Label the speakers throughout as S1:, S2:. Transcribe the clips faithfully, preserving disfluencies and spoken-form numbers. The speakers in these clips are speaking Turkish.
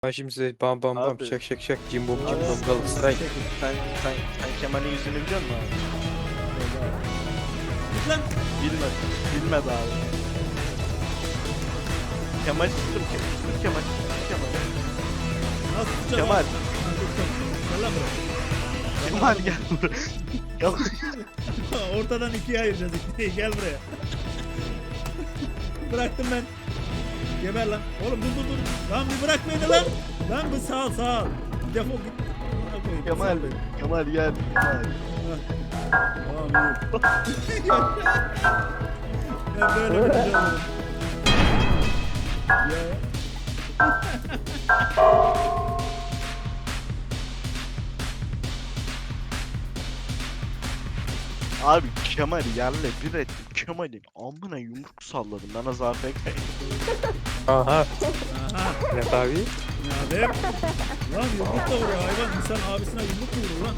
S1: Ben şimdi size bam bam bam
S2: Abi.
S1: şak şak şak cimbom
S2: Abi.
S1: cimbom Galatasaray.
S2: Sen, sen, sen Kemal'in yüzünü biliyor musun abi?
S3: Git lan.
S2: Bilmedi. Bilmedi abi. Kemal tuttum Kemal. Tut Kemal. Tut Kemal.
S3: Nasıl tutacağım?
S2: Kemal.
S3: abi? Ha, tutacağım. Gel lan buraya.
S2: Kemal gel buraya. Kemal.
S3: Ortadan ikiye ayıracağız ikneyi. Gel buraya. Bıraktım ben. Geber lan. Oğlum dur dur dur. Lan bir bırak beni lan. Lan bir sağ ol sağ ol. Defol git. Bırak beni,
S2: Kemal.
S3: sal beni.
S2: Kemal gel. Kemal.
S3: Tamam iyi. Ben böyle bir şey olurum. Ya.
S2: Abi Kemal yerle bir ettim. Kemal'in amına yumruk salladım. Ben az A F K'yim.
S1: Aha.
S3: Aha.
S1: Evet abi.
S3: Ya be. Lan yumrukla vuruyor hayvan. İnsan abisine yumruk mu vurur lan?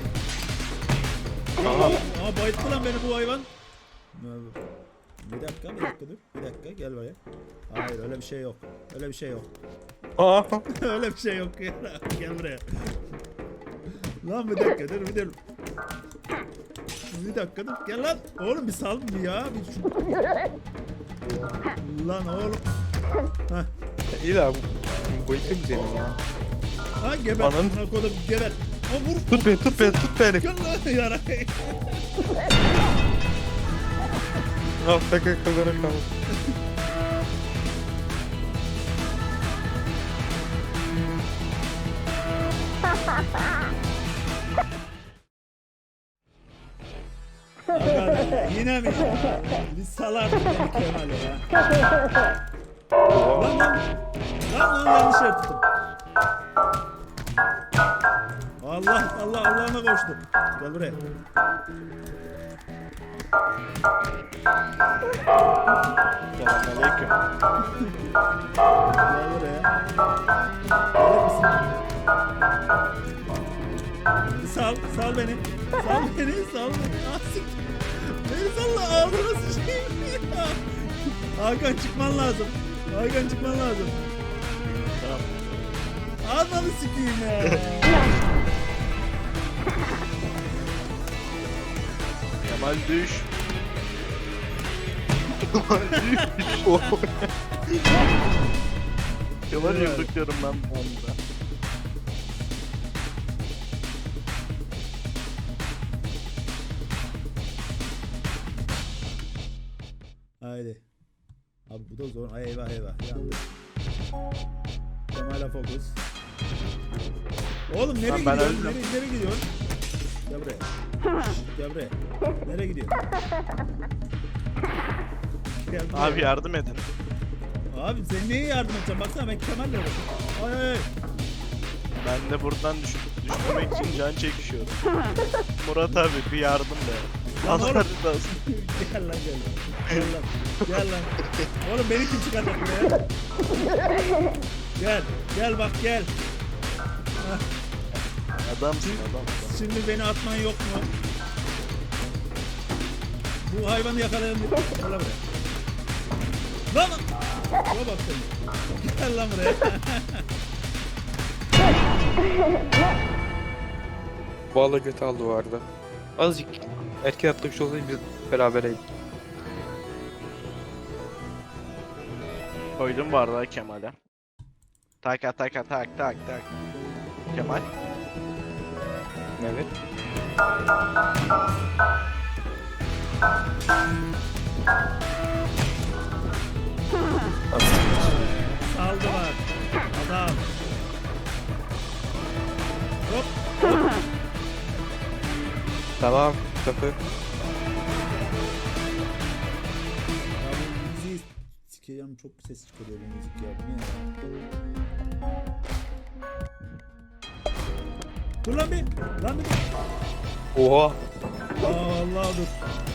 S1: Aha.
S3: Aa bayılttı lan beni bu hayvan. Bir dakika bir dakika dur. Bir dakika gel buraya. Hayır öyle bir şey yok. Öyle bir şey yok.
S1: Aha.
S3: Öyle bir şey yok. Gel buraya. Lan bir dakika dur bir dur. Bir dakika dur. Gel lan. Oğlum bir sal bir ya. Bir şu... Lan oğlum. Hah.
S1: İyi de bu bu itim senin ya.
S3: Ha geber.
S1: Anam.
S3: Buna kodum geber. Ha vur.
S1: Tut beni tut beni tut beni.
S3: Gel lan yara.
S1: Al takı kıllara kal.
S3: Aga, yine mi ya? Biz salardık beni Kemal'e ya. Lan lan. Lan lan yanlış yer tuttum. Allah Allah Allah'ıma koştum. Gel buraya.
S2: Selamünaleyküm.
S3: Gel buraya. Gelir misin? Sal, sal beni. Sal beni, sal beni. Asik. Beni salla ağzına sıçayım. Hakan çıkman lazım. Hakan çıkman lazım.
S2: Tamam.
S3: Ananı sikeyim ya.
S2: Kemal düş. Kemal düş. Kemal yumrukluyorum ben bu anda.
S3: Haydi. Abi bu da zor. Ay eyvah eyvah. Yandık. Kemal'e fokus. Oğlum nereye
S2: Lan ben
S3: gidiyorsun?
S2: öldüm.
S3: Nereye, nereye gidiyorsun? Gel buraya. Şşş, gel buraya. Nereye gidiyorsun? Gel buraya.
S2: Abi yardım edin.
S3: Abi sen niye yardım edeceksin? Baksana ben Kemal'le uğraşıyorum. Ay ay ay.
S2: Ben de buradan düş düşmemek için can çekişiyorum. Murat abi bir yardım be.
S3: Lan oğlum.
S2: Allah razı olsun.
S3: Gel lan gel. Gel lan. Gel lan. Oğlum beni kim çıkaracak buraya? Gel. Gel bak gel. Hah,
S2: Adamsın adam.
S3: şimdi beni atman yok mu? Bu hayvanı yakalayalım. Gel lan buraya. Lan lan. Şuna bak sen. Gel lan buraya.
S1: Vallahi götü aldı o arada. Azıcık erken atlamış olsaydı biz berabereydik.
S2: Koydum bu arada Kemal'e. Tak tak tak tak tak tak. Kemal.
S1: Evet.
S3: Saldılar. Adam. Hop.
S1: Tamam kapı.
S3: Ya bu müziği sikeceğim, çok ses çıkarıyor bu müzik ya. Bu ne ya? Dur lan bir. Lan bir.
S1: Oha.
S3: Aa, Allah dur.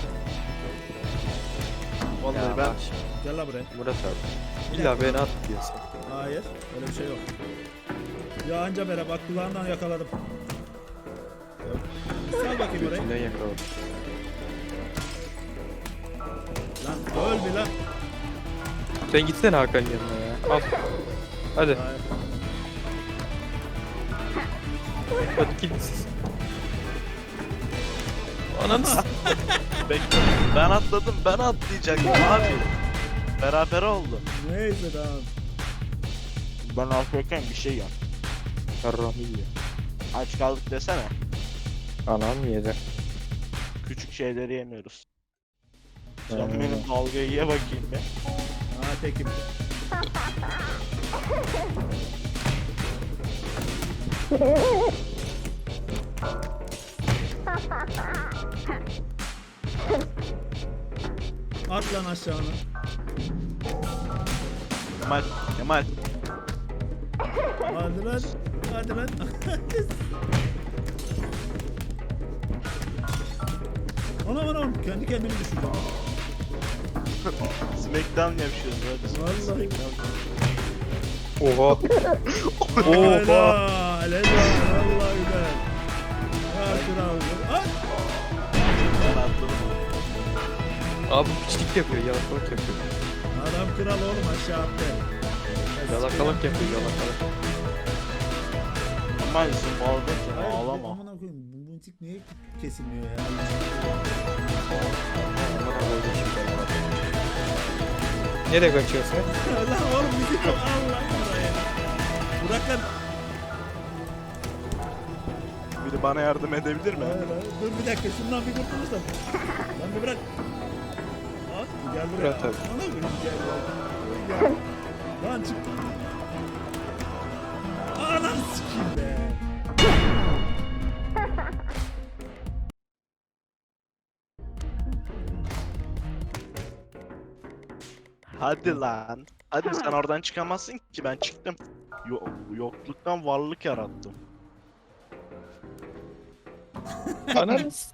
S2: Vallahi
S1: Ya
S2: ben
S1: bak şimdi,
S3: Gel lan buraya.
S1: Murat abi. İlla beni at diyorsun.
S3: Hayır. Öyle bir şey yok. Ya anca bere bak kulağından yakaladım. Yok. Sal bakayım orayı.
S1: İçinden yakaladım.
S3: Lan öl bir lan.
S1: Sen gitsene Hakan'ın yanına ya. Al. Hadi.
S3: Hayır.
S1: Hadi gidin siz. Ananı s-
S2: Bekle. Ben atladım, ben atlayacaktım abi. Beraber oldu.
S3: Neyse tamam.
S2: Ben atlarken bir şey yap.
S1: Yarrağımı yiyor.
S2: Aç kaldık desene.
S1: Anam yedi.
S2: Küçük şeyleri yemiyoruz. Sen
S1: Hmm.
S2: benim dalgayı ye bakayım be.
S3: Ha tekim. At lan aşağına.
S2: Kemal, Kemal.
S3: Hadi lan. Hadi lan. Anam anam kendi kendimi düşürdüm.
S2: Smackdown yapıyoruz hadi.
S3: Vallahi.
S2: Smackdown.
S1: Oha.
S3: Helal. Helal. Vallahi güzel. Ya kral. At.
S2: Ben atladım.
S1: Abi piçlik yapıyor, yalakalık yapıyor.
S3: Adam kral oğlum aşağı attı.
S1: Yalakalık yapıyor, yalakalık.
S2: Kemal zımbalda ki
S3: Hayır,
S2: ağlama.
S3: Amına koyayım. Bu buntik niye kesilmiyor ya?
S1: Aman Allah'ım şimdi bak. Nereye kaçıyorsun?
S3: Lan oğlum bizi çok Allah buraya. Bırak lan.
S2: Biri bana yardım edebilir mi?
S3: Hayır, hayır. Dur bir dakika şundan bir kurtulursam. Lan bir bırak. At gel buraya.
S1: Bırak tabii.
S3: Ana koyayım gel. Gel. Gel. Lan çık. Anam sikeyim be.
S2: Hadi lan. Hadi sen oradan çıkamazsın ki ben çıktım. Yo yokluktan varlık yarattım.
S1: Ananı s-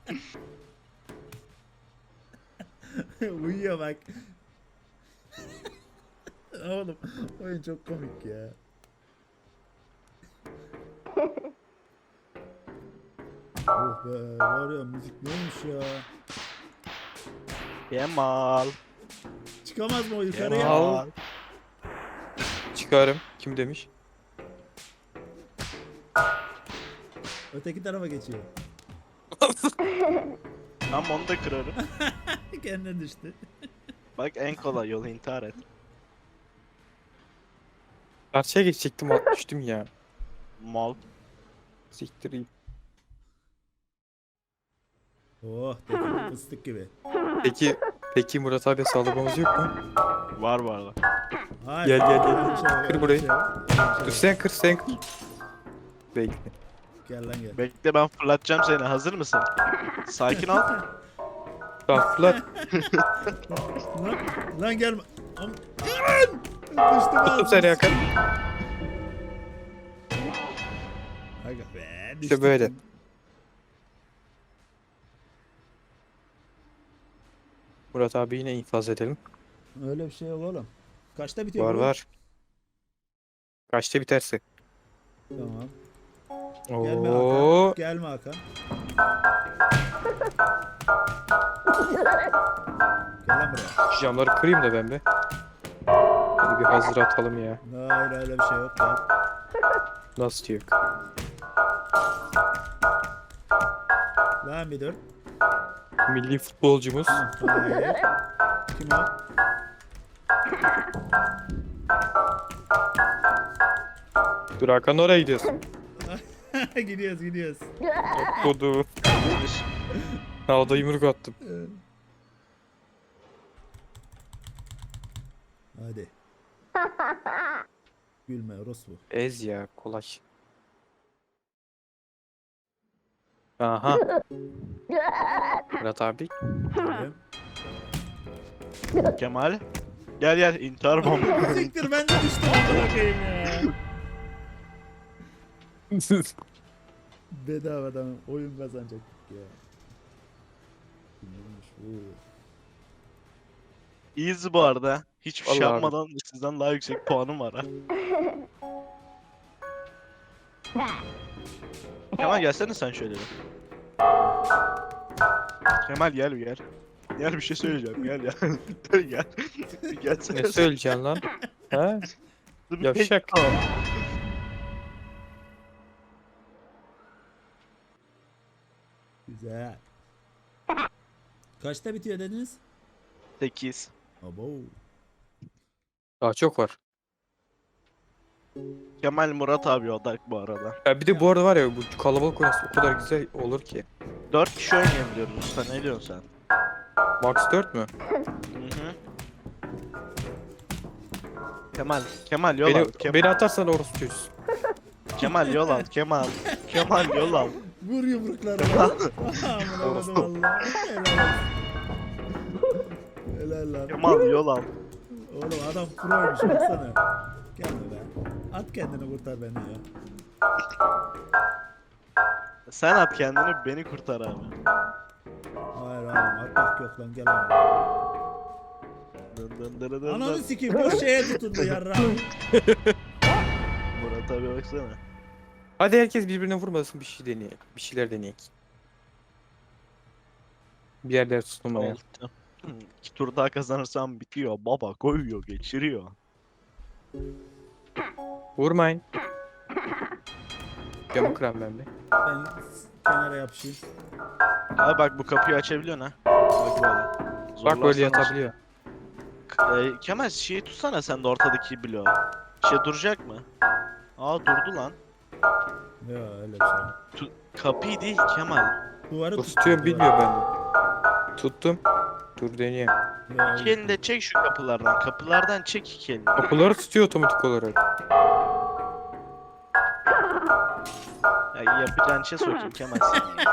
S3: Uyuyor bak. Oğlum oyun çok komik ya. Oh be var ya müzik neymiş ya.
S2: Kemal.
S3: Çıkamaz mı o yukarıya?
S2: Kemal.
S1: Çıkarım. Kim demiş?
S3: Öteki tarafa geçiyor.
S2: Tamam onu da kırarım.
S3: Kendine düştü.
S2: Bak en kolay yolu intihar et.
S1: Karşıya geçecektim, atmıştım ya.
S2: Mal.
S1: Siktireyim.
S3: Oh dedi fıstık gibi.
S1: Peki, peki Murat abi sağlamamız yok mu?
S2: Var var var.
S3: Hayır.
S1: Gel, gel, gel.
S3: öyle bir şey yok,
S1: Kır
S3: öyle bir
S1: burayı.
S3: şey yok, öyle bir şey
S1: Dur
S3: yok.
S1: sen kır, sen kır. Bekle.
S3: Gel lan gel.
S2: Bekle ben fırlatacağım seni. Hazır mısın? Sakin ol.
S1: Tamam fırlat.
S3: Lan, lan gelme. Am Lan! Düştüm
S1: Tuttum seni yakın.
S3: Aga be.
S1: İşte böyle. Murat abi yine infaz edelim.
S3: Öyle bir şey yok oğlum. Kaçta bitiyor
S1: Var
S3: bu?
S1: var. Kaçta biterse.
S3: Tamam. Gelme
S1: Oo.
S3: Hakan. Gelme Hakan. Gel lan buraya.
S1: Şu camları kırayım da ben be. Hadi bir hazır atalım ya.
S3: Hayır öyle bir şey yok. Gel.
S1: Nasıl diyor?
S3: Lan bir dur.
S1: Milli futbolcumuz.
S3: Hayır. Kim o?
S1: Dur Hakan, oraya gidiyorsun.
S3: gidiyoruz gidiyoruz.
S1: Kodu. Havada yumruk attım.
S3: Hadi. Gülme orospu.
S1: Ez ya, kolay. Aha. Murat abi.
S3: Geliyorum.
S2: Kemal. Gel gel intihar bomba.
S3: Siktir ben de düştüm amına koyayım ya. Bedavadan oyun kazanacaktık ya. Neymiş bu?
S2: Easy bu arada. Hiçbir şey
S1: Vallahi abi.
S2: yapmadan sizden daha yüksek puanım var ha. Kemal gelsene sen şöyle bir. Kemal gel bir gel. Gel bir şey söyleyeceğim gel ya. gel. Bir gelsene.
S1: Ne söyleyeceksin lan? Ha?
S2: Dur bir
S1: Yavşak.
S2: pek-
S3: Güzel. Kaçta bitiyor dediniz?
S2: sekiz.
S3: Abo.
S1: Daha çok var.
S2: Kemal Murat abi odak bu arada.
S1: Ya bir de bu arada var ya bu kalabalık oynası o kadar güzel olur ki.
S2: dört kişi oynayabiliyoruz usta, ne diyorsun sen?
S1: Max dört mü?
S2: Hı hı. Kemal, Kemal yol
S1: Beni,
S2: al. Kemal,
S1: beni atarsan orası çözsün.
S2: Kemal yol al. Kemal. Kemal yol al.
S3: Vur yumruklarını. Amına koydum valla. Helal olsun. Helal lan.
S2: Kemal yol al.
S3: Oğlum adam proymuş baksana. Gelme be. At kendini kurtar beni ya.
S2: Sen at kendini, beni kurtar abi.
S3: Hayır oğlum atmak yok lan gel abi.
S2: Dın dın dın dın
S3: Ananı
S2: dın.
S3: sikeyim boş şeye tutundu yarra.
S2: Murat abi baksana.
S1: Hadi herkes birbirine vurmasın bir şey deneyelim. Bir şeyler deneyelim. Bir yerler tutulmaya.
S2: Oldu. Hı, İki tur daha kazanırsam bitiyor. Baba koyuyor, geçiriyor.
S1: Vurmayın. Camı kıran ben bir.
S3: Ben kenara yapışayım.
S2: Abi bak bu kapıyı açabiliyorsun ha. Bak böyle.
S1: Bak böyle
S2: Zorlarsan
S1: yatabiliyor.
S2: aç- Ee, Kemal şeyi tutsana sen de ortadaki bloğu. Şey duracak mı? Aa durdu lan.
S3: Ya öyle bir şey.
S2: Tu kapıyı değil Kemal.
S3: Duvarı
S1: O
S3: tut.
S1: tutuyorum
S3: duvarı.
S1: bilmiyor bende. Tuttum. Dur deneyeyim.
S3: Ya,
S2: İki elini de çek şu kapılardan. Kapılardan çek iki elini.
S1: Kapıları tutuyor otomatik olarak.
S2: Ya yapacağın şey sokayım Kemal seni.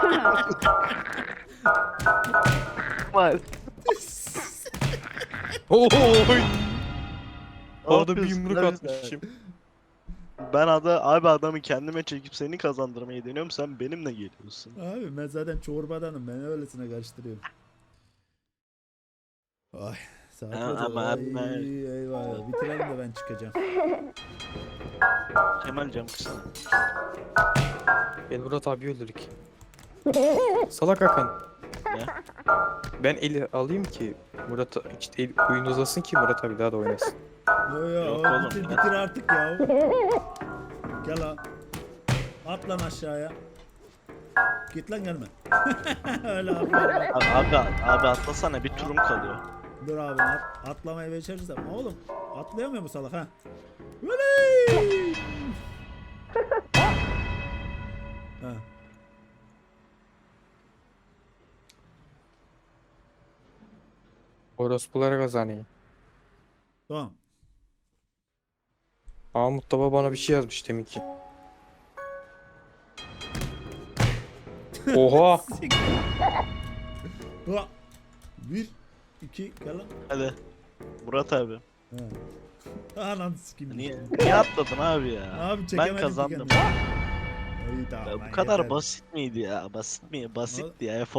S2: Kemal.
S1: Oy!
S2: Ne
S1: Orada bir
S2: yapıyorsun
S1: yumruk
S2: lan
S1: atmışım.
S2: Ben ada abi adamı kendime çekip seni kazandırmayı deniyorum, sen benimle geliyorsun.
S3: Abi ben zaten çorbadanım. Ben öylesine karıştırıyorum. Ay saat
S2: Ha,
S3: oldu.
S2: ama-
S3: Ay,
S2: ama-
S3: eyvah. Bitirelim de ben çıkacağım.
S2: Kemal cam kısana.
S1: Ben Murat abi öldürdük. Salak Hakan.
S2: Ne?
S1: Ben eli alayım ki Murat işte el, oyun uzasın ki Murat abi daha da oynasın.
S3: Yo yo
S2: Yok
S3: o
S2: oğlum,
S3: bitir,
S2: ben-
S3: bitir artık ya. Gel lan. At lan aşağıya. Git lan gelme. Öyle atla.
S2: Abi, abi, abi atlasana, bir turum kalıyor.
S3: Dur abi at, atlamayı becerirsem. Oğlum atlayamıyor mu salak ha? Oley! Ha.
S1: Orospulara kazanayım.
S3: Tamam.
S1: Mahmut Baba bana bir şey yazmış demin ki. Oha!
S3: Ha. Bir, iki, gel lan.
S2: Hadi. Murat abi.
S3: Ha. Anam sikeyim.
S2: Niye, niye atladın abi ya?
S3: Abi
S2: Ben
S3: çekemedim ki
S2: kazandım.
S3: kendimi. İyi, tamam,
S2: Ya
S3: lan,
S2: bu kadar
S3: yeter.
S2: basit miydi ya? Basit mi? Basitti ya.